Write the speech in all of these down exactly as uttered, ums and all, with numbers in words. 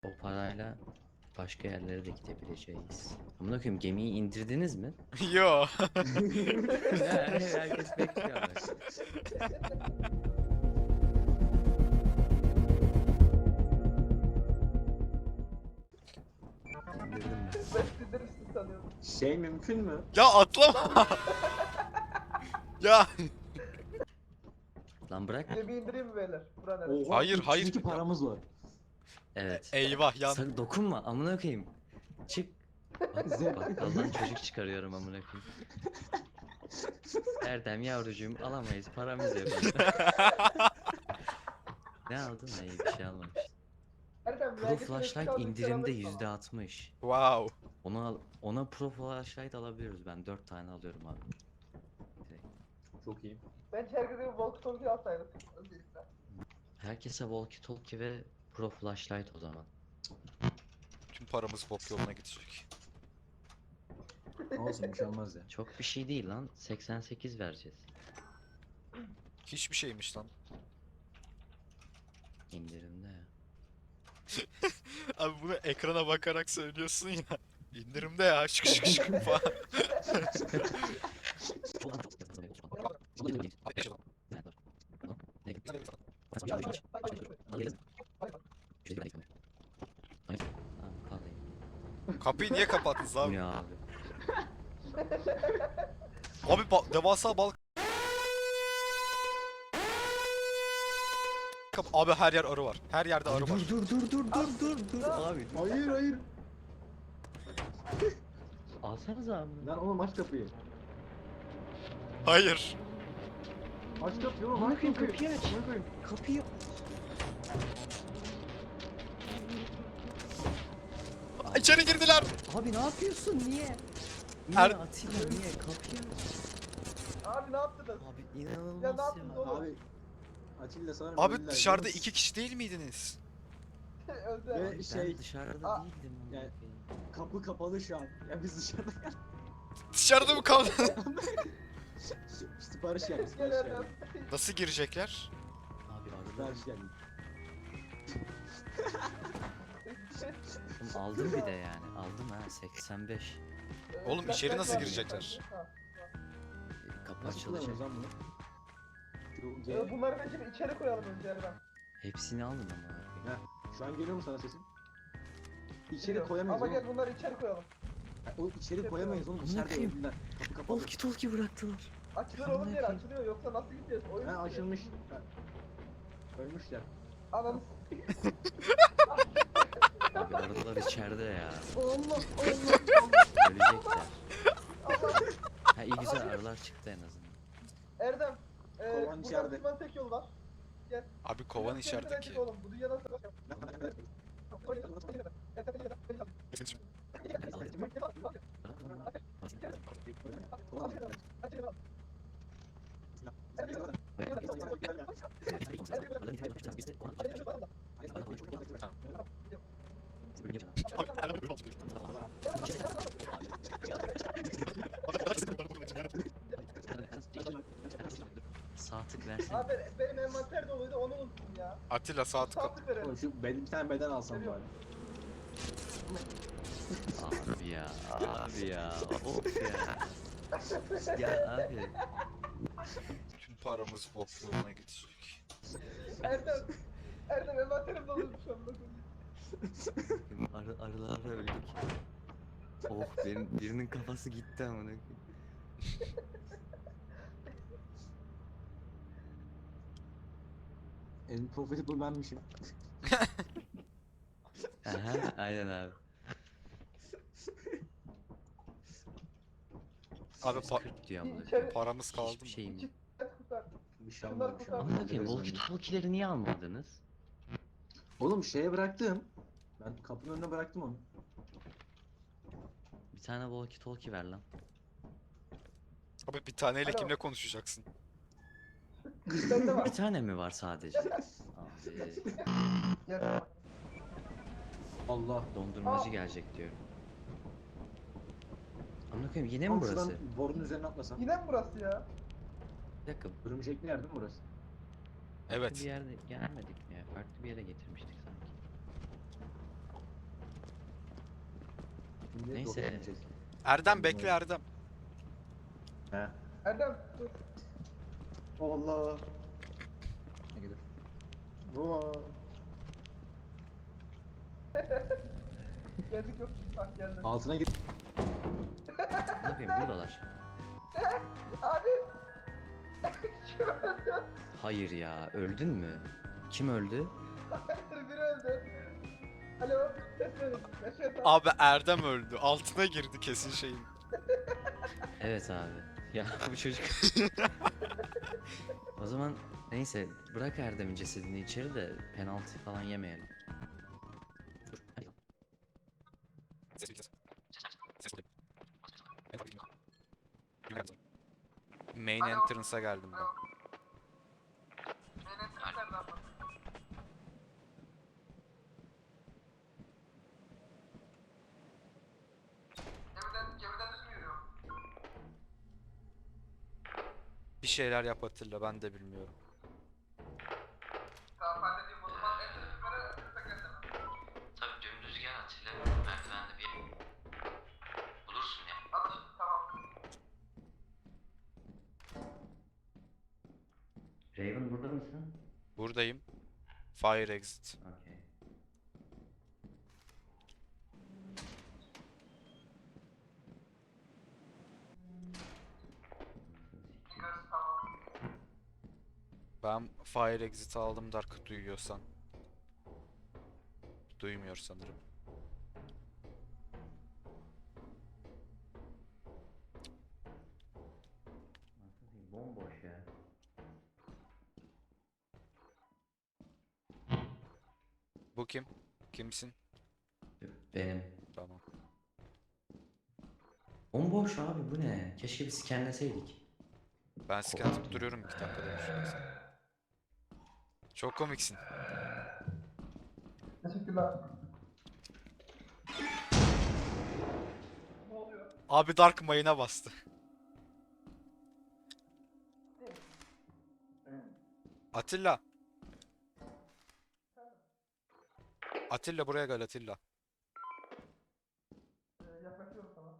O parayla başka yerlere de gidebileceğiz. Amına koyayım, gemiyi indirdiniz mi? Yo. Ya, herkes bekliyor ama. İndirdim ben. Ben sindirirsin sanıyordum. Şey mümkün mü? Ya atlama. Ya. Lan bırak. Gemi indireyim mi beyler? Bura neresi? Oha, Hayır, üç hayır. yüz iki paramız var. Evet. Eyvah yan. Sakın dokunma amına koyayım. Çık. Bak, Zevk. bakkaldan çocuk çıkarıyorum amına koyayım. Erdem yavrucuğum alamayız, paramız yok. Ne aldın? Hayır, bir şey almamış. Erdem, Pro vergi flashlight süresi kaldı, indirimde alırsın yüzde ama. altmış. Wow. Ona al, ona pro flashlight alabiliyoruz, ben dört tane alıyorum abi. Direkt. Çok iyi. Bence herkese bir walkie talkie alsaydık. Öncelikle. Herkese walkie talkie ve pro flashlight o zaman. Tüm paramız bok yoluna gidecek. Olsun bir şey olmaz ya. Çok bir şey değil lan, seksen sekiz vereceğiz. Hiçbir şeymiş lan. İndirimde ya. Abi bunu ekrana bakarak söylüyorsun ya. İndirimde ya. Şık şık şık falan. Kapıyı niye kapattınız Bu abi? ne abi? Abi ba- devasa balık. Kap- Abi her yer arı var. Her yerde arı var. Dur dur dur dur dur dur dur abi. Hayır hayır. Alsanıza abi. Lan oğlum aç kapıyı. Hayır. Aç kapıyı oğlum Amına aç koyayım, kapıyı. kapıyı aç. Amına koyayım. Kapıyı. İçeri girdiler. Abi ne yapıyorsun? Niye? Niye Er- Atilla niye? Kapıyı aç. Abi ne yaptınız? Abi inanılmaz Ya ya. ne yaptınız oğlum? Abi Atilla sanırım Abi öldüler, dışarıda biliyor musun? iki kişi değil miydiniz? Öldü. Ve Ben şey dışarıda Aa, değildim. amına yani- koyayım. kapı kapalı şu an. Ya biz dışarıda Dışarıda mı kaldı? sipariş geldi Gel sipariş Erdem. geldi. Nasıl girecekler? Abi arada Sipariş geldi. Oğlum aldım bir de yani. Aldım ha seksen beş. Oğlum Flashlight içeri nasıl var. girecekler? Ha. Kapı Nasıl açılacak. kullanıyoruz lan bunu? Şu Ee, G. Bunları bence bir içeri koyalım önce Erdem. Hepsini aldım ama. Ha, şu an geliyor mu sana sesim? İçeri Geliyor. koyamayız Ama oğlum. gel bunları içeri koyalım. Ha, o içeri koyamayız oğlum. Amına İçeride koyayım. öldüler. Kapı kapalı. Walkie talkie bıraktılar. Açılır Amına oğlum yer koyayım. açılıyor yoksa nasıl gideceğiz? Oyun Ha bitiyor. açılmış. Ha. Ölmüşler. Ananı Abi arılar içeride ya. Allah Allah. Ölecekler. Allah. Ha iyi güzel, arılar çıktı en azından. Erdem. E, Kovan buradan içeride. çıkmanın tek yolu var. Abi kovan Biraz içeride kendine ki. git Oğlum bu dünya nasıl? Sağ tık versene. Abi benim envanter doluydu onu unuttum ya. Atilla sağ tık at. Sağlık verelim. Oğlum şu bed, bir tane beden alsam bari. Abi ya, abi ya, of ya. Ya abi. Tüm paramız bok yoluna gidecek. Erdem. Erdem envanterim doluymuş şu anda. Arı, arılarla öldük. Of, benim birinin kafası gitti amına koyayım. En profitable benmişim. Aha, aynen abi. Abi pa- kırk diyor amına koyayım. İçeri. paramız kaldı Hiçbir mı? şey mi? Kurtar. Bir şey Şunlar olmadı bir şey kurtar. olmadı. Amına koyayım, walkie talkie'leri niye almadınız? Oğlum şeye bıraktım. Ben kapının önüne bıraktım onu. Bir tane walkie talkie ver lan. Abi bir taneyle Alo. kimle konuşacaksın? Bende var. Bir tane mi var sadece? Abi, Gel. Allah. dondurmacı Aa. gelecek diyorum. Amına koyayım, yine mi Oğlum burası? şuradan borunun üzerine atlasam. Yine mi burası ya? Bir dakika, Örümcekli yer değil mi burası? farklı Evet. bir yerde gelmedik mi ya? Farklı bir yere getirmiştik sanki. Şimdi Neyse. doktora gideceğiz. Erdem bekle Erdem. He. Erdem dur. Allah. Ne gidiyor? Bu. Geldik yok. Bak geldim. Altına git. Ne yapayım buradalar. Abi. Kim öldü? Hayır ya öldün mü? Kim öldü? Biri öldü. Alo. Ses verin. Yaşıyor tam. Abi Erdem öldü. Altına girdi kesin şeyin. Evet abi. Ya bu çocuk. O zaman neyse bırak Erdem'in cesedini içeri de penaltı falan yemeyelim. Dur. Ay. Main entrance'a geldim ben. Benim nereden bak? Gemiden, gemiden düz mü yürüyor? Bir şeyler yap Atilla, ben de bilmiyorum. Tamam halledeyim o zaman en düz yukarı tekrar sana. Tabii dümdüz gel Atilla. Merdivende bir bulursun ya. Anlaşıldı tamam. Raven burada mısın? Buradayım. Fire exit. Okey. Yukarısı tamam. Ben fire exit aldım Dark duyuyorsan. Duymuyor sanırım. Bomboş ya. Bu kim? Kimsin? Benim. Tamam. Bomboş abi bu ne? Keşke bir scanleseydik. Ben scan atıp duruyorum iki dakikada bir. Çok komiksin. Teşekkürler. Ne oluyor? Abi Dark mayına bastı. Atilla. Atilla buraya gel Atilla. Ee, yaklaşıyorum sana.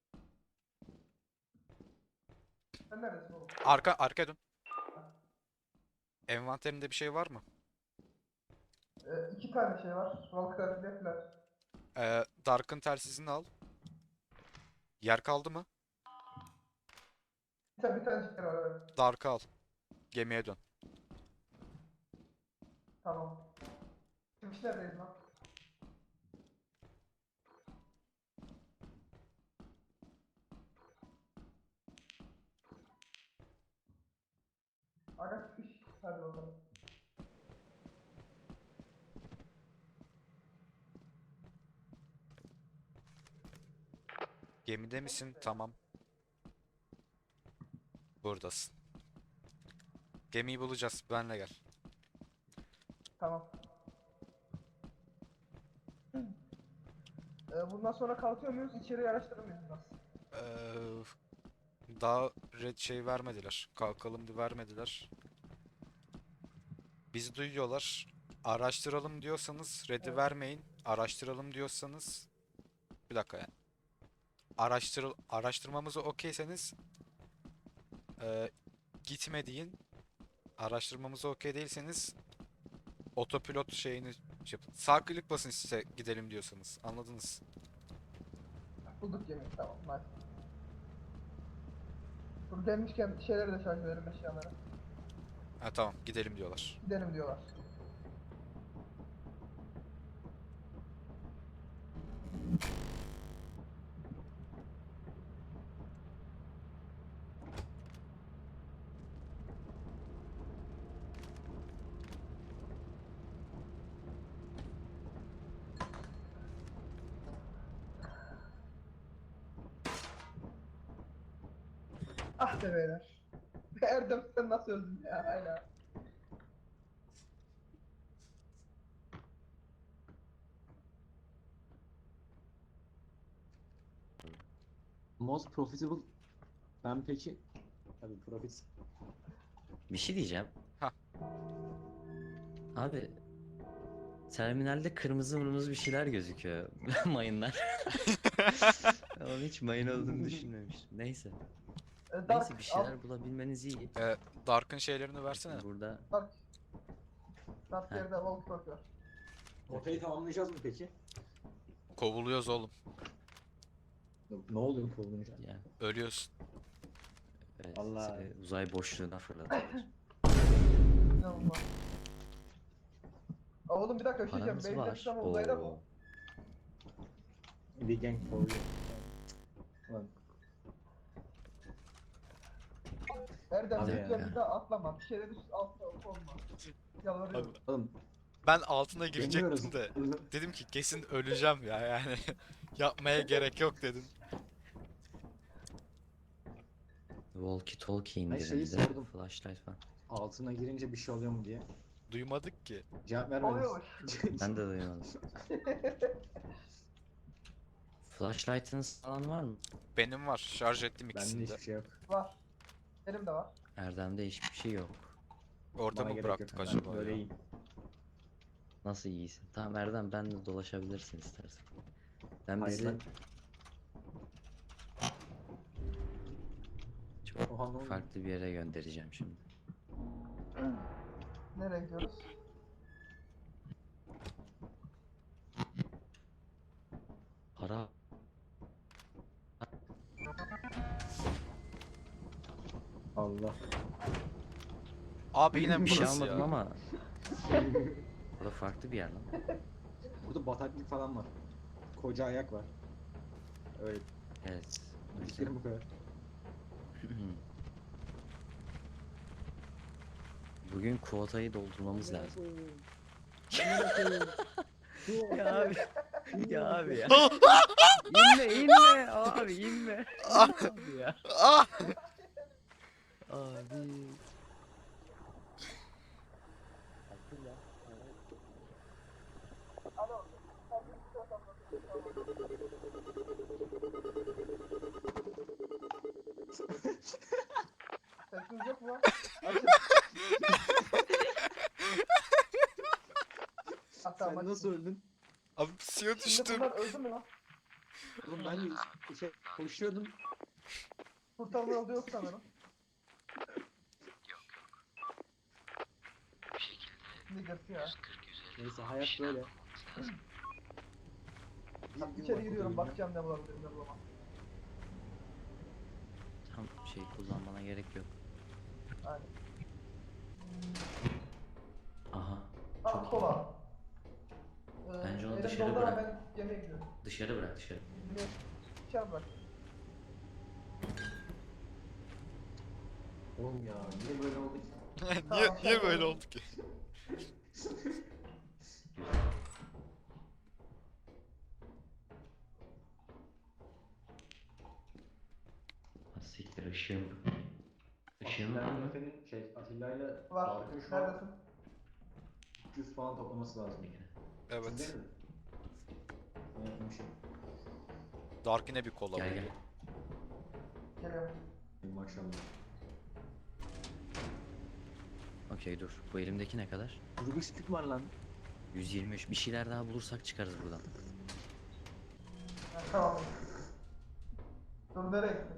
Sen neredesin oğlum? Arka arkaya dön. Envanterinde bir şey var mı? Ee, iki tane şey var. Valkyrie ile Flash. Ee, Dark'ın telsizini al. Yer kaldı mı? Bir tane, bir tane şeker var evet. Dark'ı al. Gemiye dön. Tamam. Şimdi biz neredeyiz lan? Aga fiş. Hadi bakalım. Gemide misin? Tamam. Buradasın. Gemiyi bulacağız. Benle gel. Tamam. Ee, bundan sonra kalkıyor muyuz? İçeriği araştırır mıyız biraz? Ee, daha red şey vermediler. Kalkalım diye vermediler. Bizi duyuyorlar. Araştıralım diyorsanız red'i Evet. vermeyin. Araştıralım diyorsanız bir dakika yani. Araştır araştırmamızı okeyseniz e, gitme deyin. Araştırmamızı okey değilseniz otopilot şeyini şey yapın. Sağ klik basın size gidelim diyorsanız. Anladınız. Bulduk yemeği tamam nice. Dur gelmişken şeyleri de şarj edelim eşyaları. Ha tamam gidelim diyorlar. Gidelim diyorlar. Ah be beyler. Erdem sen nasıl öldün ya hala. Most profitable. Ben peki. Tabii profit. Bir şey diyeceğim. Hah. Abi terminalde kırmızı mırmızı bir şeyler gözüküyor. Mayınlar. Ama hiç mayın olduğunu düşünmemiştim. Neyse. E, Dark, Neyse bir al. şeyler bulabilmeniz iyi. Ee, Dark'ın şeylerini versene. Burada Dark. Dark Ha. yerde walk talk var. Ortayı tamamlayacağız mı peki? Kovuluyoruz oğlum. Ne oluyor kovulunca? ya Ölüyorsun. evet, Allah. e, uzay boşluğuna fırlatıyorlar. İnanılmaz. Aa, oğlum bir dakika bir şey diyeceğim. Paramız Benim var. yaşam uzayda mı? Oo. Bir gang kovuyor. Ulan Erdem Abi lütfen ya. bir daha atlama. Bir şeyler üst altta olma. Yalvarıyorum. oğlum Ben altına girecektim deniyoruz. de dedim ki kesin öleceğim ya yani. Yapmaya gerek yok dedim. Walkie talkie Ben şeyi indirimde. sordum. Flashlight falan. Altına girince bir şey oluyor mu diye. Duymadık ki. Cevap vermediniz. Oluyormuş. Ben de duymadım. Flashlight'ınız falan var mı? Benim var. Şarj ettim Bende ikisini de. hiçbir şey yok. Var. Benim de var. Erdem'de hiçbir şey yok. Orada Bana mı gerek bıraktık yok. Ben acaba Böyle ya? iyiyim. Nasıl iyisin? Tamam Erdem ben de dolaşabilirsin istersen. Ben Hayır, bizi ben- çok Oha, ne oldu? farklı bir yere göndereceğim şimdi. Nereye gidiyoruz? Para Allah. Abi yine mi bir şey burası almadım ya? ama burada farklı bir yer lan. Burada bataklık falan var. Koca ayak var. Öyle. Evet. o yüzden- Fikrim bu kadar. Bugün kuotayı doldurmamız lazım. ya abi. Ya abi ya. inme inme abi inme. abi ya. Ah! Abi. Sesiniz yok mu lan? Açın. Ha, tamam, Sen açın. nasıl öldün? Abi suya Şimdi düştüm. bunlar öldü mü lan? Oğlum ben de şey, koşuyordum. Kurtarma yolu yok sanırım. Niggers ya. Neyse hayat böyle. Bak, gün içeri var, giriyorum bugün. bakacağım ne bulabilirim ne bulamam. Tam şey kullanmana gerek yok. Aynen. Aha. Ha Çok iyi. kola. Ee, Bence onu elim dışarı doldu ama bırak. Ben yemeğe gidiyorum. Dışarı bırak dışarı. Yemeğe dışarı bırak. Oğlum ya niye böyle oldu ki? niye niye böyle oldu ki? Ha, siktir ışığım. Işığım var Atilla mı? Efe'nin şey Atilla ile Var. Dark'ın şu an Neredesin? üç yüz falan toplaması lazım. Evet. Sizde mi? Ben yapmışım. Dark yine bir kola Gel buldu. gel. Geliyorum. Maşallah. Okey dur. Bu elimdeki ne kadar? Rubik's Cube var lan. yüz yirmi üç. Bir şeyler daha bulursak çıkarız buradan. Ha, tamam. Dur nereye gittin?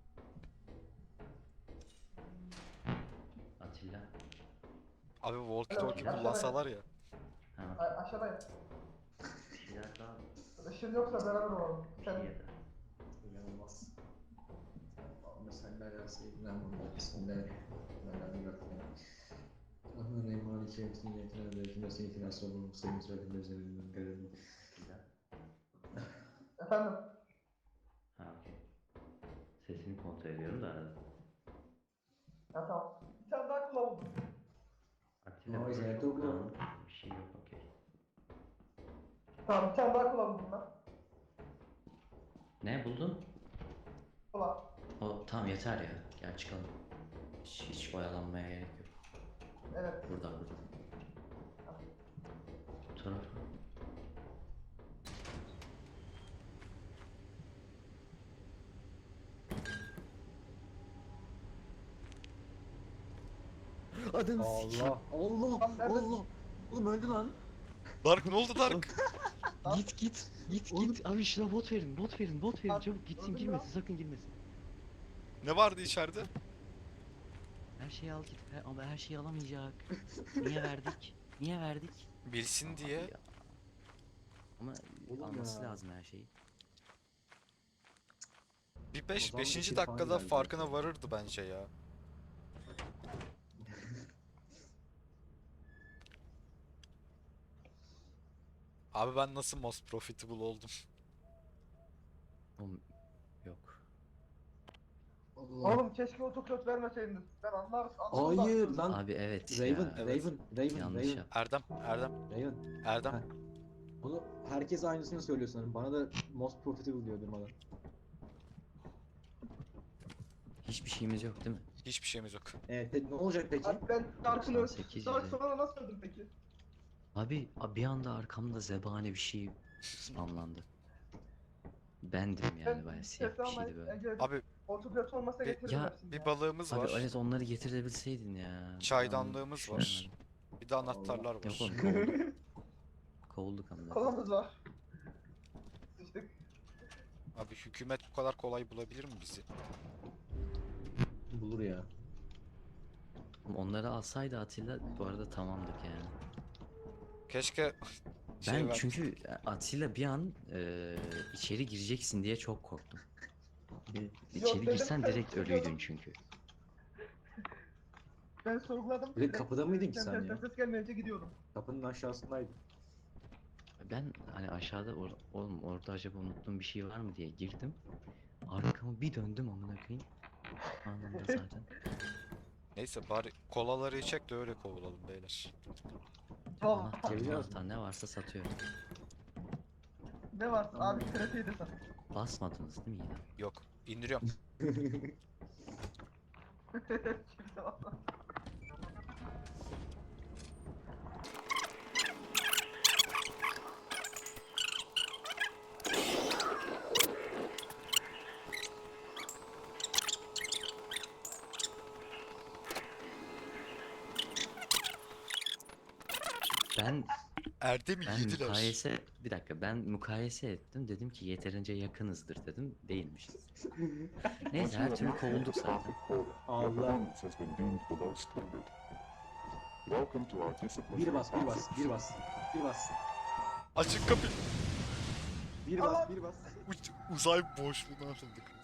Atilla. Abi walkie talkie Aşağıya. kullansalar ya. Ha. A aşağıdayım. Bir şeyler daha. Işın yoksa beraber olalım. Bir Sen şey yeter. İnanılmaz. Allahümme salli ala seyyidina Muhammed. Bismillahirrahmanirrahim. Rahmanirrahim. Maliki yevmiddin. İyyâke na'budu ve iyyâke nestaîn. İhdinas sıratal mustakîm. Sıratal lezîne en'amte aleyhim. Atilla. efendim. Ha okey. Sesini kontrol ediyorum da arada. Ha tamam. Bir tane daha kula buldum. Atilla Aa, burada jeneratör çok burada. dağınık bir şey yok okey. Tamam bir tane daha kula buldum ben. Ne buldun? Kula. O tamam yeter ya. Gel çıkalım. Hiç, hiç oyalanmaya gerek yok. Evet. Burada burada. Bu tarafa. Adını Allah. Allah. Tam nerede? Allah. Oğlum öldü lan. Dark ne oldu Dark? Git git git Oğlum. git abi şuna bot verin bot verin bot verin Abi, çabuk gitsin öldüm girmesin ya. sakın girmesin. Ne vardı içeride? Her şeyi al git He- ama her şeyi alamayacak. Niye verdik? Niye verdik? Bilsin diye. Ya. Ama Oğlum alması ya. lazım her şeyi. Bir beş, O zaman beşinci iki falan dakikada geldi. farkına varırdı bence ya. Abi ben nasıl most profitable oldum? Oğlum, yok. Allah. Oğlum keşke otokot vermeseydiniz. Ben anlar anladım. Hayır da. lan. Abi evet Raven, ya. Evet. Raven, Raven, Yanlış Raven, yap. Erdem, Erdem, Raven. Erdem. Heh. Bunu herkes aynısını söylüyor sanırım. Bana da most profitable diyor durmadan. Hiçbir şeyimiz yok değil mi? Hiçbir şeyimiz yok. Evet, pe- ne olacak peki? Abi ben Dark'ın doksan sekiz Dark yüze. sonra nasıl öldüm peki? Abi, abi bir anda arkamda zebani bir şey spamlandı. Bendim yani bayağı siyah bir şeydi böyle. Abi Otokot olmasa Bir- getiririm Ya, hepsini. bir balığımız Abi var. evet onları getirebilseydin ya. Çaydanlığımız Ben var. düşünemedim. Bir de anahtarlar Yok var. oğlum kovulduk. Kovulduk ama. Kolamız var. Sıçtık. Abi hükümet bu kadar kolay bulabilir mi bizi? Bulur ya. Onları alsaydı Atilla bu arada tamamdık yani. Keşke şey Ben ver- çünkü Atilla bir an e, içeri gireceksin diye çok korktum. İçeri dedim, girsen ben direkt sorguladım. ölüydün çünkü. Ben sorguladım. Bir de kapıda mıydın ki sen Sesten ya? ses gelmeyince gidiyordum. Kapının aşağısındaydı. Ben hani aşağıda or- oğlum orada acaba unuttuğum bir şey var mı diye girdim. Arkamı bir döndüm amına koyayım. Anında zaten. Neyse bari kolaları içek de öyle kovulalım beyler. Tamam. Anahtar, Geliyor anahtar ne varsa satıyor. Ne varsa abi trafiği de sen. Basmadınız değil mi yine? Yok, indiriyorum. Kimse valla. Ben Erdem'i ben yediler. mukayese bir dakika ben mukayese ettim dedim ki yeterince yakınızdır dedim değilmişiz. Neyse her türlü kovulduk zaten. Allah. has been deemed below standard. Welcome to our disciplinary Bir bas, bir bas, process. bir bas. Bir bas. Açık kapı. Bir bas, bir bas. Uç- uzay boşluğuna atıldık.